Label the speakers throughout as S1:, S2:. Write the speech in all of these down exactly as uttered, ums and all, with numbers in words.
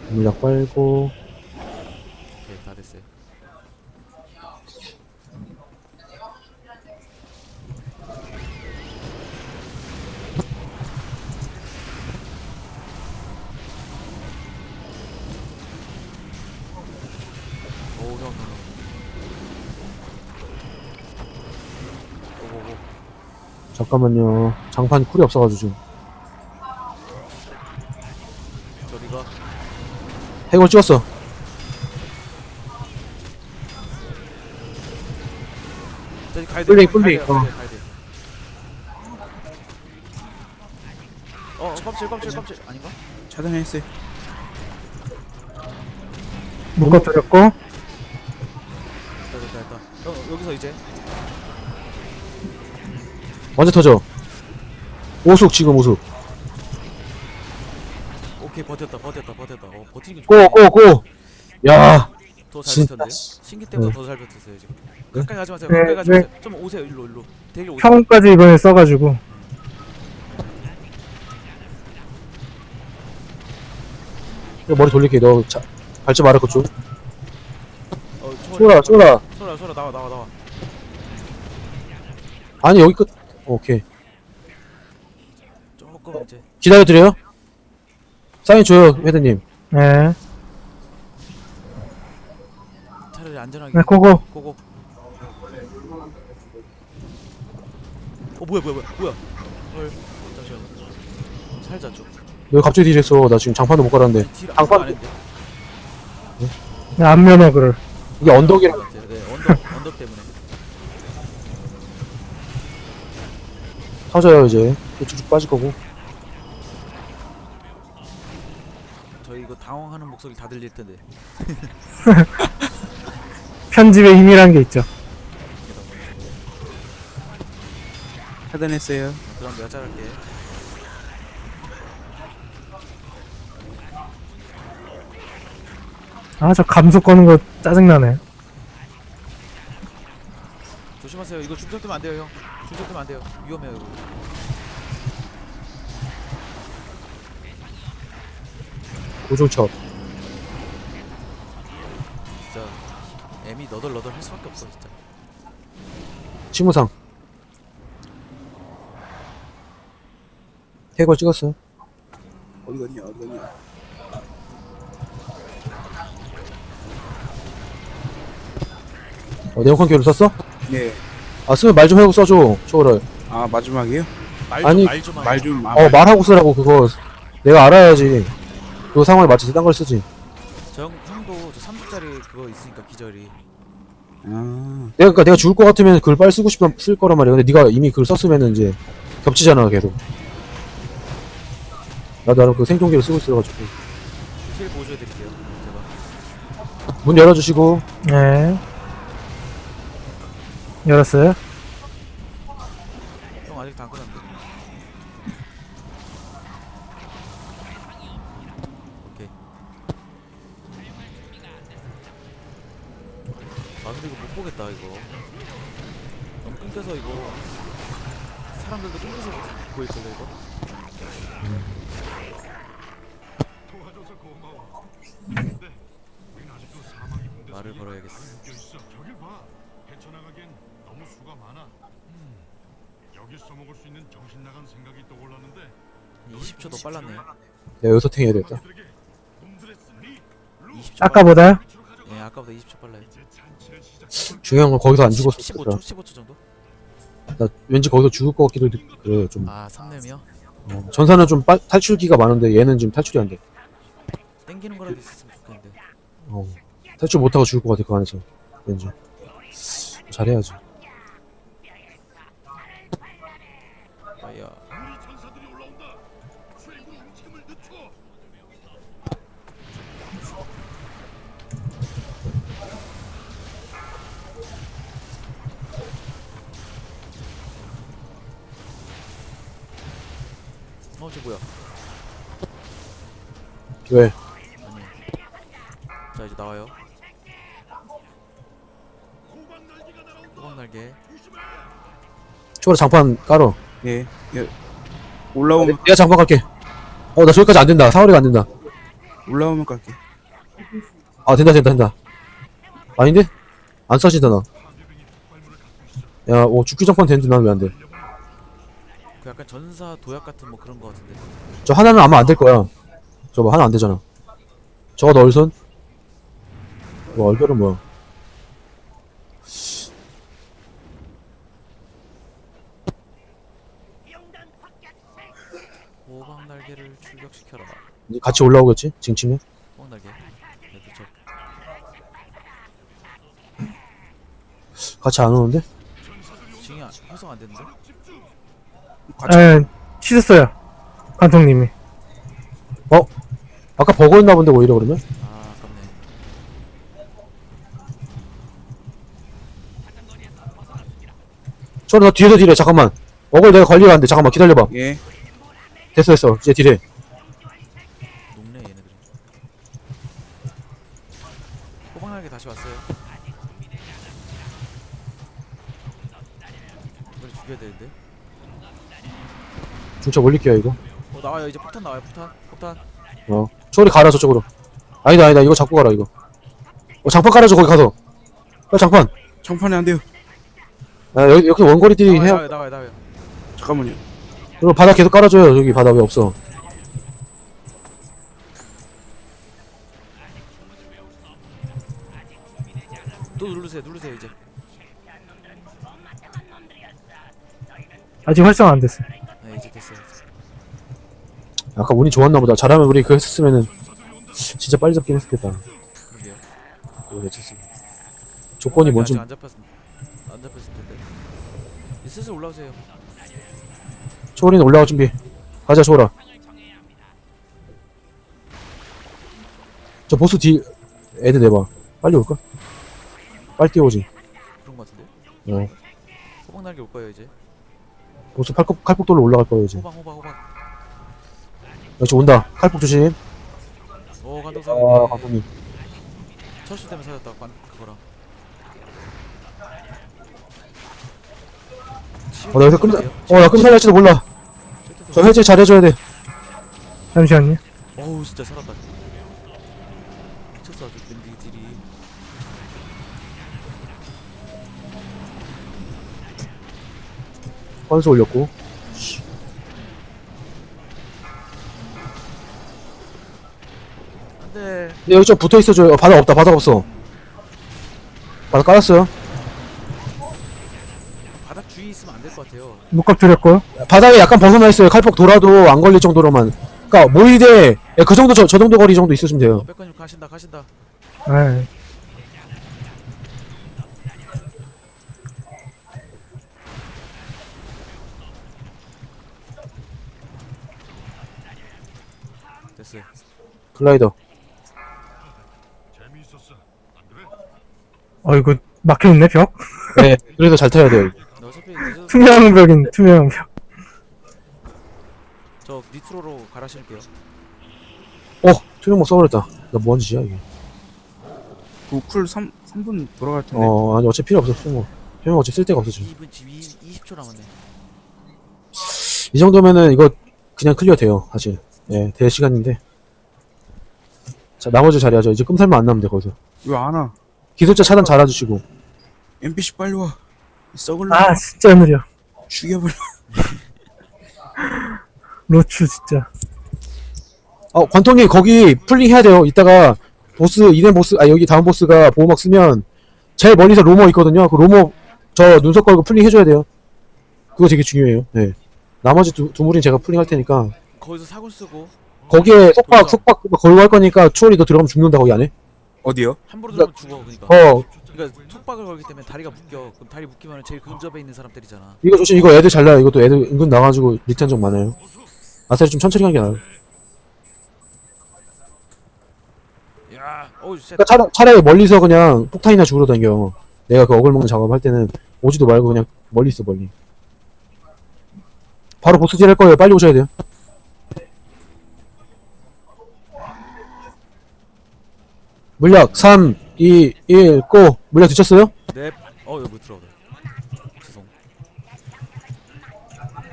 S1: 물약 빨고.
S2: 오케이, 다 됐어요. 오, 형, 형, 형. 오오오.
S1: 잠깐만요. 장판 쿨이 없어가지고 지금.
S2: 저리가.
S1: 해골 찍었어.
S2: 저기 가야 돼.
S1: 꿀링,
S2: 가야
S1: 꿀링.
S2: 돼,
S1: 어.
S2: 가야 돼, 가야 돼. 어, 어, 깜칠, 깜칠, 깜칠. 아닌가?
S3: 차단했어요.
S4: 묶어드렸고,
S2: 됐다, 됐다, 됐다. 어, 여기서 이제.
S1: 완전 터져. 오숙 지금 오숙.
S2: 오케이, 버텼다, 버텼다, 버텼다. 어, 버티는 게 좋네.
S1: 고, 고, 고. 야.
S2: 더잘
S1: 진짜.
S2: 버텼는데요? 신기 때보다
S1: 네.
S2: 더 잘 버텼어요, 지금.
S1: 네?
S2: 가까이 가지 마세요,
S4: 네,
S2: 가까이 가지
S4: 네.
S2: 마세요. 좀 오세요, 일로, 일로. 대기로 오세요.
S4: 평까지 이번에 써가지고,
S1: 이거 머리 돌릴게. 너 자, 발전 말할 것 좀.
S2: 어,
S1: 쏘라, 쏘라.
S2: 소라, 소라, 나와, 나와, 나와.
S1: 아니, 여기 끝. 오케이.
S2: 조금 이제.
S1: 기다려드려요? 사인 줘요, 헤드님.
S4: 네,
S2: 차라리 안전하게.
S4: 네, 고고.
S2: 고고. 어, 뭐야, 뭐야, 뭐야, 뭐야. 헐, 잠시만. 살자 좀.
S1: 너 갑자기 딜했어. 나 지금 장판도 못 갈았는데.
S2: 딜
S1: 장판-
S2: 아무것도 안 했는데.
S4: 네, 안면허그를.
S1: 이게 언덕이라.
S2: 네, 네, 언덕, 언덕 때문에.
S1: 터져요, 이제. 또 쭉쭉 빠질 거고.
S2: 저희 이거 당황하는 목소리 다 들릴 텐데.
S4: 편집에 힘이란 게 있죠.
S3: 차단했어요.
S2: 그럼 내가 자를게.
S4: 아, 저 감속 거는 거 짜증나네.
S2: 조심하세요. 이거 중첩되면 안 돼요, 형. 중첩되면 안 돼요. 위험해요, 이거.
S1: 고중첩.
S2: 진짜 M이 너덜너덜 할 수밖에 없어, 진짜.
S1: 치무상. 해골 찍었어.
S3: 어디 갔냐, 어디 갔냐.
S1: 어, 네오컨 교를 썼어?
S3: 네.
S1: 아, 쓰면 말 좀 하고 써줘. 초월을.
S3: 아, 마지막이에요?
S2: 말 좀,
S1: 아니,
S2: 말 좀.
S3: 말 좀, 아,
S1: 어, 말하고 쓰라고, 그거. 내가 알아야지. 그 상황에 맞춰서 딴 걸 쓰지.
S2: 저 형, 형도 저 삼 주짜리 그거 있으니까, 기절이.
S3: 아,
S1: 내가, 그니까 내가 죽을 것 같으면 글 빨리 쓰고 싶으면 쓸 거란 말이야. 근데 네가 이미 글 썼으면은 이제 겹치잖아, 계속. 나도 나름 그 생존기를 쓰고 있어가지고.
S2: 힐 보여줘드릴게요, 제가.
S1: 문 열어주시고.
S4: 네. 열었어요?
S2: 형 아직 다 안 끝났는데. 오케이. 아 근데 이거 못 보겠다 이거. 너무 끊겨서 이거 사람들도 끊겨서 보일걸요 이거. 말을 걸어야겠어.
S5: 저길 봐. 헤쳐나가기엔 너무 수가 많아. 음, 여기 써먹을 수 있는 정신 나간 생각이 떠올랐는데
S2: 이십 초 더 빨랐네요.
S1: 내가 여기서 탱해야 되겠다.
S5: 그들에게 놈들의 승리,
S2: 이십 초
S4: 아까보다요?
S2: 빨라. 예, 아까보다 이십 초 빨라요.
S5: 이제 잔치를 시작.
S1: 중요한 건 거기서 안 죽었어.
S2: 십오 초, 십오 초 정도?
S1: 나 왠지 거기서 죽을 것 같기도 해. 그래, 좀.
S2: 아, 삼 렘이요?
S1: 어, 전사는 좀 빠, 탈출기가 많은데 얘는 지금 탈출이 안 돼.
S2: 땡기는 거라도 있었으면 좋겠는데.
S1: 어. 탈출 못하고 죽을 것 같아, 그 안에서. 왠지. 잘해야지.
S2: 아야.
S5: 우리 전사들이 올라온다. 최고 움직임을 늦춰.
S2: 어, 저 뭐야?
S1: 왜?
S2: 아니. 자, 이제 나와요. 호박 날개.
S1: 초월에 장판 깔어.
S3: 예. 예. 올라오면,
S1: 내가 장판 깔게. 어, 나 저기까지 안 된다. 사거리가 안 된다.
S3: 올라오면 깔게.
S1: 아 된다 된다 된다. 아닌데? 안 쏴진다 나. 야, 오 죽기 전판 되는데 난 왜 안 돼?
S2: 그 약간 전사 도약 같은 뭐 그런 거 같은데.
S1: 저 하나는 아마 안 될 거야. 저거 하나 안 되잖아. 저거 너 얼선? 뭐 얼결은 뭐야?
S2: 호박 날개를 출격시켜라.
S1: 이제 같이 올라오겠지? 징치면?
S2: 호박 날개. 네, 그쵸.
S1: 같이 안 오는데?
S2: 징이 안- 활성 안 됐는데?
S3: 같이.
S4: 예, 치셨어요. 관통님이.
S1: 아까 버거였나 본데 오히려 그러면?
S2: 아 아깝네.
S1: 저리 너 뒤에서 딜해 잠깐만. 어글 내가 관리가 안 돼. 잠깐만 기다려봐.
S3: 예.
S1: 됐어 됐어. 이제 딜해.
S2: 녹네 얘네들이. 호박 날개 다시 왔어요. 이걸 죽여야 되는데.
S1: 중차 올릴게요 이거.
S2: 어 나와요 이제 폭탄 나와요 폭탄 폭탄.
S1: 어. 초월이 가라 저쪽으로. 아니다 아니다 이거 잡고 가라 이거. 어 장판 깔아줘 거기 가서. 어 장판.
S3: 장판이 안 돼요.
S1: 아 여기 여기 원거리 딜
S2: 나와요
S1: 해야.
S2: 나와요 나와요 나와요.
S3: 잠깐만요.
S1: 그리고 바닥 계속 깔아줘요. 여기 바닥 왜 없어?
S2: 또 누르세요 누르세요 이제.
S4: 아직 활성 안 됐어요.
S2: 네 이제 됐어요.
S1: 아까 운이 좋았나 보다. 잘하면 우리 그거 했었으면은 진짜 빨리 잡긴 했었겠다.
S2: 그러게요.
S1: 그거 괜찮습니다. 조건이 뭔지
S2: 아직 안 잡혔 안 잡혔을 텐데. 이제 슬슬 올라오세요.
S1: 초월이는 올라갈 준비. 가자 초월아. 저 보스 뒤 애들 내봐. 빨리 올까? 빨리 뛰어오지.
S2: 그런 거 같은데.
S1: 어.
S2: 호박 날개 올 거예요 이제.
S1: 보스 칼폭 칼폭돌로 올라갈 거예요 이제.
S2: 호박 호박 호박.
S1: 역시 온다. 칼폭 조심.
S2: 오
S1: 아
S2: 관동상이.
S1: 감독님.
S2: 철수 때문에 살았다. 관 그거랑.
S1: 어 나 여기서 끔. 어나 끔살날지도 몰라. 저 해제 잘해줘야 돼.
S4: 잠시만요.
S2: 어우 진짜 살았다. 미쳤어 아주 밴디들이.
S1: 건수 올렸고.
S2: 안돼.
S1: 근데 여기 좀 붙어 있어줘요. 어, 바닥 없다. 바닥 없어. 바닥 깔았어요.
S2: 바닥 주위 있으면 안 될 것 같아요.
S4: 묶업 드렸고요.
S1: 바닥에 약간 벗어나 있어요. 칼폭 돌아도 안 걸릴 정도로만. 그니까 모이대 예, 그 정도 저, 저 정도 거리 정도 있으시면 돼요.
S2: 어 백건님 가신다 가신다.
S4: 예.
S2: 됐어요.
S1: 글라이더.
S5: 재미있었어. 안 그래?
S4: 어, 이거 막혀있네, 벽?
S1: 네. 그래도 잘 타야 돼요.
S2: 근데 어차피 늦어서
S4: 투명한 벽인, 투명한 벽.
S2: 저 니트로로 갈아 신을게요.
S1: 어 투명목 써버렸다. 나 뭐한 짓이야 이게.
S3: 그쿨 삼 분 돌아갈 텐데.
S1: 어 아니 어차피 필요 없어 투명목. 투명목 어차피 쓸 데가 없어 지금.
S2: 이 분 지금 이십 초 남았네.
S1: 이 정도면은 이거 그냥 클리어 돼요 사실. 예, 될 시간인데. 자 나머지 자리하죠. 이제 끔살만 안 나면 돼 거기서.
S3: 왜 안 와?
S1: 기술자 차단 잘해주시고.
S3: 엠피씨 빨리 와. 썩을
S4: 아, 진짜 느려.
S3: 죽여버려.
S4: 로추, 진짜.
S1: 어 관통님 거기 풀링 해야 돼요. 이따가 보스 이덴 보스 아 여기 다음 보스가 보호막 쓰면 제일 멀리서 로머 있거든요. 그 로머 저 눈썹 걸고 풀링 해줘야 돼요. 그거 되게 중요해요. 네. 나머지 두, 두 무리는 제가 풀링 할 테니까
S2: 거기서 사군 쓰고
S1: 거기에 속박
S2: 돌자.
S1: 속박 걸고 할 거니까 추월이 너 들어가면 죽는다 거기 안에.
S3: 어디요?
S2: 함부로 들어가면 죽어 그러니까.
S1: 어
S2: 그러니까 촉박을 걸기 때문에 다리가 묶여. 그럼 다리 묶이면 제일 근접에 있는 사람 때리잖아.
S1: 이거 조심. 이거 애들 잘 나요. 이것도 애들 은근 나가지고 리턴 좀 많아요. 아싸리 좀 천천히 가는 게 나아요.
S2: 야, 어우 쉣.
S1: 그러니까 차라, 차라리 멀리서 그냥 폭탄이나 죽으러 다녀. 내가 그 어글 먹는 작업할 때는 오지도 말고 그냥 멀리 있어 멀리. 바로 보스질 할 거예요. 빨리 오셔야 돼요. 물약 삼, 이, 일, 고! 물약 드셨어요?
S2: 넵. 어 여기 못 들어오네. 죄송.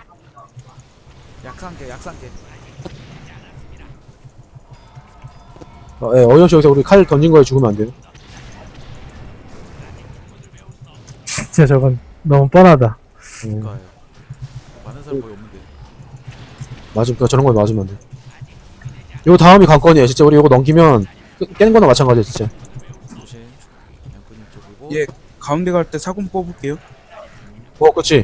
S2: 약한 게 약산 게.
S1: 어, 예, 어이없이 여기서 우리 칼 던진 거에 죽으면 안 돼요.
S4: 진짜 저건 너무 뻔하다.
S1: 음,
S2: 그니까요. 많은 사람 거의 없는데.
S1: 맞음, 그 저런 거 맞으면 안 돼. 요 다음이 관건이에요. 진짜 우리 요거 넘기면 깨- 깨는 거나 마찬가지야, 진짜.
S2: 조심. 양꾼님 쪽이고.
S3: 예, 가운데 갈 때 사군 뽑을게요.
S1: 어, 그치.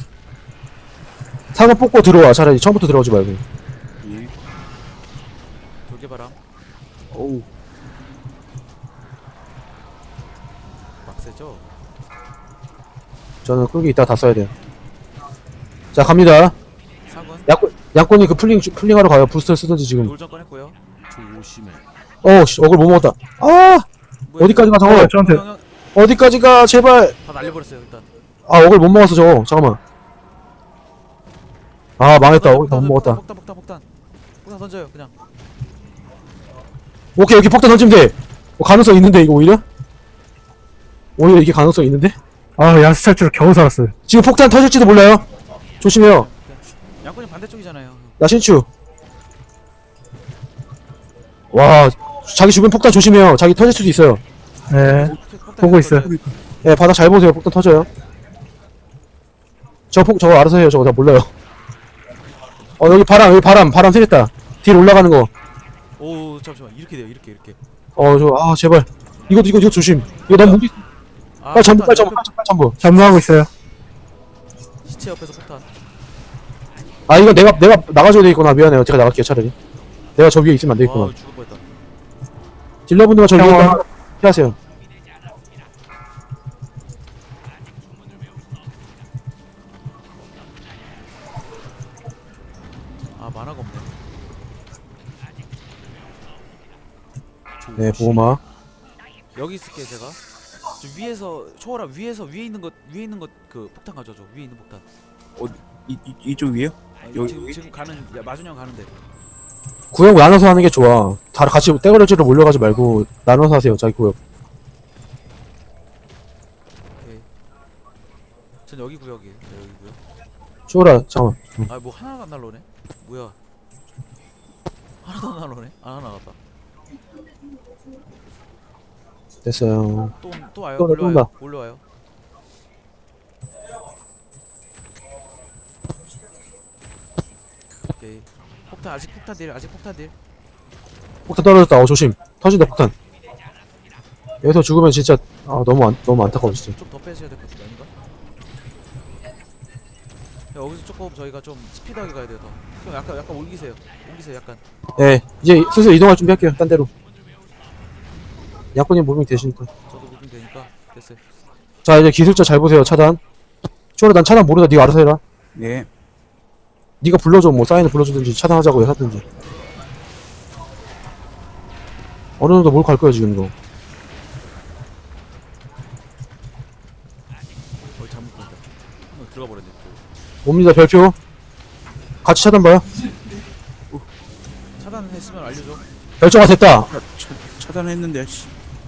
S1: 사과 뽑고 들어와. 차라리 처음부터 들어오지 말고.
S3: 예.
S2: 돌개바람.
S3: 어우,
S2: 막세죠?
S1: 저는 끄기 이따 다 써야 돼요. 자, 갑니다.
S2: 사군.
S1: 양꾼, 양꾼이 그 풀링, 풀링하러 가요. 부스터 쓰든지 지금.
S2: 돌전 꺼냈고요.
S5: 조심해.
S1: 어, 씨, 어글 못 먹었다. 아!
S2: 뭐야,
S1: 어디까지 가,
S2: 이거?
S1: 저거?
S4: 어, 저한테
S2: 형, 형,
S1: 어디까지 가, 제발!
S2: 다 날려버렸어요 일단.
S1: 아, 어글 못 먹었어, 저거. 잠깐만. 아, 망했다. 어글 다 못 먹었다.
S2: 폭탄 폭탄 폭탄. 폭탄 던져요 그냥.
S1: 오케이, 여기 폭탄 던지면 돼. 어, 가능성 있는데, 이거 오히려? 오히려 이게 가능성 있는데?
S4: 아, 야수 탈출 겨우 살았어요.
S1: 지금 폭탄 터질지도 몰라요. 조심해요.
S2: 양꾼이 반대쪽이잖아요.
S1: 나 신추. 와, 자기 주변 폭탄 조심해요. 자기 터질 수도 있어요.
S4: 네.
S2: 폭탄
S4: 보고 있어요.
S2: 던져요.
S1: 예, 바닥 잘 보세요. 폭탄 터져요. 저 폭, 저거 알아서 해요. 저거 다 몰라요. 어, 여기 바람, 여기 바람, 바람 세겠다. 뒤로 올라가는 거.
S2: 오 잠시만 이렇게 돼요 이렇게 이렇게.
S1: 어, 저, 아, 제발. 이거, 이거, 이거 조심. 이거 너무 무리,
S2: 아,
S1: 빨리 전부,
S2: 폭탄,
S1: 빨리 전부,
S2: 옆에
S1: 빨리 전부.
S4: 전무하고 있어요.
S2: 시체 옆에서 폭탄.
S1: 아, 이건 내가, 내가 나가줘야 되겠구나. 미안해요. 제가 나갈게요, 차라리. 내가 저 위에 있으면 안 되겠구나.
S2: 와 죽을 뻔했다.
S1: 딜러분들만 저 위에
S4: 형아.
S1: 있다. 피하세요.
S2: 아 만화가 없네.
S1: 네, 보호막.
S2: 여기 있을게 제가. 저 위에서 초월아 위에서 위에 있는 것 위에 있는 것 그 폭탄 가져줘. 위에 있는 폭탄.
S3: 이, 이, 이쪽 위에요?
S2: 아,
S3: 여기,
S2: 지금
S3: 여기?
S2: 지금 가는 야, 마준형 가는데.
S1: 구역 나눠서 하는 게 좋아. 다 같이 떼거려지로 몰려가지 말고 나눠서 하세요, 자기 구역.
S2: 오케이. 전 여기 구역이에요. 네, 여기 구역.
S1: 쇼라, 잠깐만. 응.
S2: 아 뭐 하나가 안 날라오네. 뭐야? 하나도 안 날라오네. 아 하나 나갔다.
S1: 됐어요.
S2: 또 또 와요.
S1: 또 나, 또
S2: 올라와요.
S1: 온다.
S2: 올라와요. 오케이. 폭탄 아직 폭탄 딜 아직 폭탄 딜.
S1: 폭탄 떨어졌다. 어, 조심. 터진다, 폭탄. 여기서 죽으면 진짜, 아, 너무 안, 너무 안타까워, 진짜.
S2: 좀 더 빼셔야 될 것 같은데 아닌가? 야, 여기서 조금 저희가 좀 스피드하게 가야 돼요 더. 형 약간 약간 옮기세요. 옮기세요 약간.
S1: 예, 이제 슬슬 이동할 준비 할게요, 딴 데로. 양꾼님 무빙 되시니까.
S2: 저도 무빙 되니까 됐어요.
S1: 자, 이제 기술자 잘 보세요, 차단. 쇼라, 난 차단 모르다. 니가 알아서 해라.
S3: 예.
S1: 니가 불러줘, 뭐, 사인을 불러주든지, 차단하자고 하든지. 어느 정도 몰고 갈 거야, 지금 이거.
S2: 거의 잘못 본다. 한번 들어가 버렸네. 또.
S1: 옵니다, 별표. 같이 차단 봐요.
S2: 차단했으면 알려줘.
S1: 결정화 됐다.
S3: 차, 차, 차단했는데, 씨.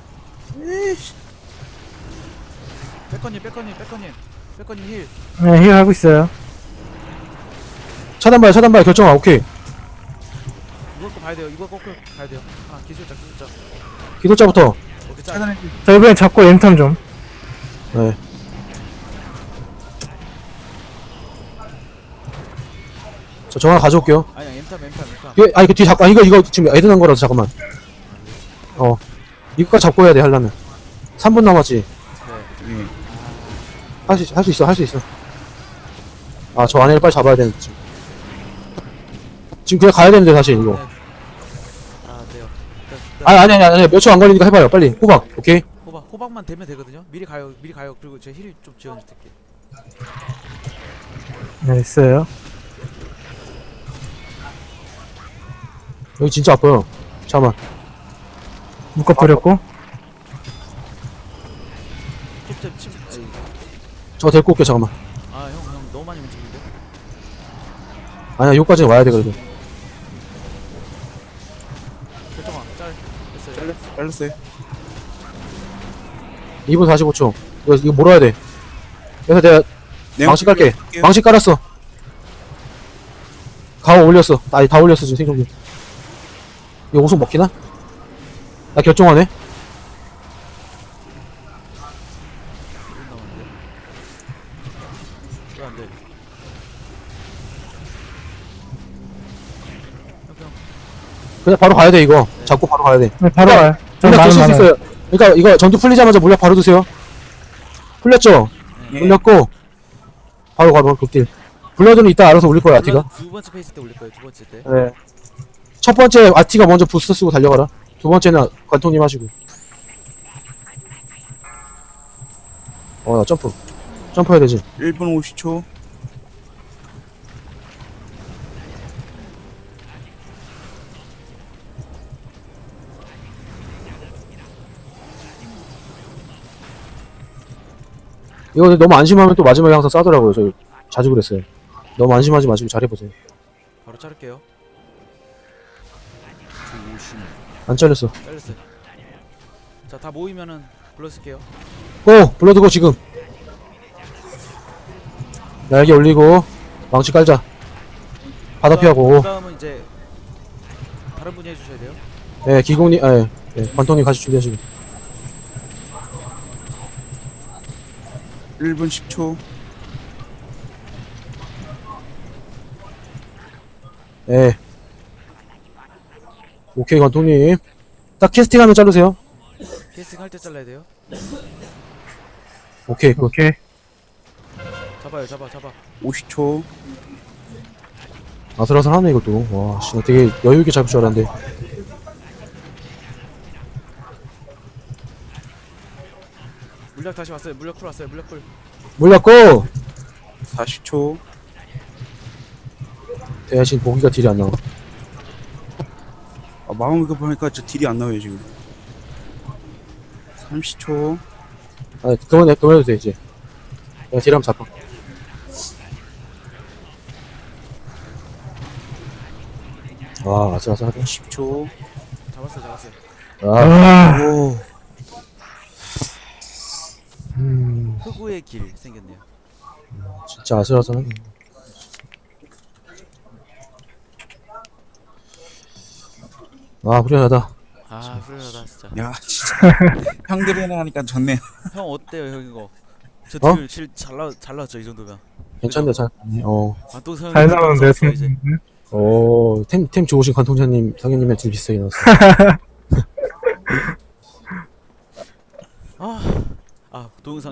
S2: 백건님 백건님 백건님 백건님 힐.
S4: 네, 힐 하고 있어요.
S1: 차단 봐요, 차단 봐요, 결정화. 오케이.
S2: 이걸 거 봐야 돼요. 이걸 꼭 봐야 돼요. 아 기술자 기술자.
S1: 기술자부터.
S2: 오케이 짜.
S3: 차단했는데.
S4: 저 이번엔 잡고 엠탐 좀.
S1: 네. 저, 저 하나 가져올게요.
S2: 아니야 엠탑 엠탑 엠탑.
S1: 이거, 아, 이거 뒤 잡고, 아, 이거, 이거 지금 애드난 거라서 잠깐만. 어. 이거까지 잡고 해야 돼, 하려면. 삼 분 남았지.
S2: 네.
S3: 예.
S1: 할 수, 할 수 있어, 할 수 있어. 아, 저 안에를 빨리 잡아야 되는데, 지금. 지금 그냥 가야 되는데, 사실, 이거.
S2: 아 돼요. 일단, 일단
S1: 아니, 아니, 아니, 아니, 몇 초 안 걸리니까 해봐요, 빨리. 호박, 오케이?
S2: 호박 호박만 되면 되거든요. 미리 가요 미리 가요. 그리고 제 힐 좀 지원해줄게.
S4: 네, 있어요.
S1: 여기 진짜 아파요. 잠깐만.
S4: 묶어버렸고.
S2: 톱제 침. 아이,
S1: 저 데리고 올게, 잠깐만.
S2: 아 형 형 너무 많이 움직이는데.
S1: 아니야, 여기까지는 와야 돼, 그래도.
S2: 결정아 짤. 됐어요.
S3: 잘렸, 잘렸어요.
S1: 이 분 사십오 초. 이거, 이거 몰아야 돼. 그래서 내가
S3: 네,
S1: 망치 깔게.
S3: 할게요.
S1: 망치 깔았어. 가오 올렸어. 아니, 다 올렸어, 지금 생존기. 이거 오속 먹히나? 나 결정하네.
S2: 일 분 남았는데. 왜 안 돼? 형, 그냥
S1: 그냥 바로 가야 돼 이거. 잡고 바로 가야 돼.
S4: 네, 바로 가요. 저
S1: 물약
S4: 많은
S1: 드실 수
S4: 많아요.
S1: 있어요. 그러니까 이거 전투 풀리자마자 물약 바로 드세요. 풀렸죠?
S3: 예.
S1: 풀렸고 바로 바로 극딜. 블러드는 이따 알아서 올릴 거야 아티가.
S2: 두 번째 페이지 때 올릴 거예요. 두 번째 때.
S1: 네. 첫 번째 아티가 먼저 부스터 쓰고 달려가라. 두 번째는 관통님 하시고. 어, 나 점프. 점프해야 되지.
S3: 일 분 오십 초.
S1: 이거 근데 너무 안심하면 또 마지막에 항상 싸더라고요. 저 자주 그랬어요. 너무 안심하지 마시고 잘해보세요.
S2: 바로 자를게요.
S1: 안 잘렸어.
S2: 잘렸어요. 자, 다 모이면은 불러쓸게요.
S1: 고! 블러드고 지금. 날개 올리고 망치 깔자. 바다 피하고.
S2: 그 다음은 이제 다른 분이 해주셔야 돼요.
S1: 예, 기공님, 예, 예, 관통님 같이 준비하시고.
S3: 일 분 십 초.
S1: 예. 오케이, 관통님. 딱 캐스팅 하면 자르세요.
S2: 캐스팅 할 때 잘라야 돼요.
S1: 오케이, 굿.
S4: 오케이.
S2: 잡아요, 잡아, 잡아.
S3: 오십 초.
S1: 아슬아슬하네, 이것도. 와, 씨, 나 되게 여유있게 잡을 줄 알았는데.
S2: 물약 다시 왔어요. 물약 풀 왔어요. 물약 풀.
S1: 몰랐고!
S3: 사십 초.
S1: 대신 보기가 딜이 안 나와.
S3: 아, 마음 이거 보니까 저 딜이 안 나와요 지금. 삼십 초.
S1: 아, 그만해, 그만해도 돼, 이제. 내가 딜 한번 잡아. 와, 아슬아슬하다.
S3: 십 초.
S2: 잡았어요, 잡았어요.
S1: 아,
S4: 아,
S3: 오.
S1: 음,
S2: 흑우의 길 생겼네요.
S1: 진짜 아슬아슬하네. 아, 후련하다.
S2: 아, 훌륭하다 진짜.
S3: 야 진짜. 형들이랑 하니까 좋네요.
S2: 형 어때요, 형 이거? 저
S1: 어?
S2: 딜 질 잘 나, 잘 나왔죠 이 정도면.
S1: 괜찮네, 잘. 어,
S2: 관동 성
S4: 잘 나오는데,
S2: 이제.
S1: 어, 템, 템 좋으신 관통자님, 상현님의 딜 비슷하게 나왔어.
S2: 아, 아 동영상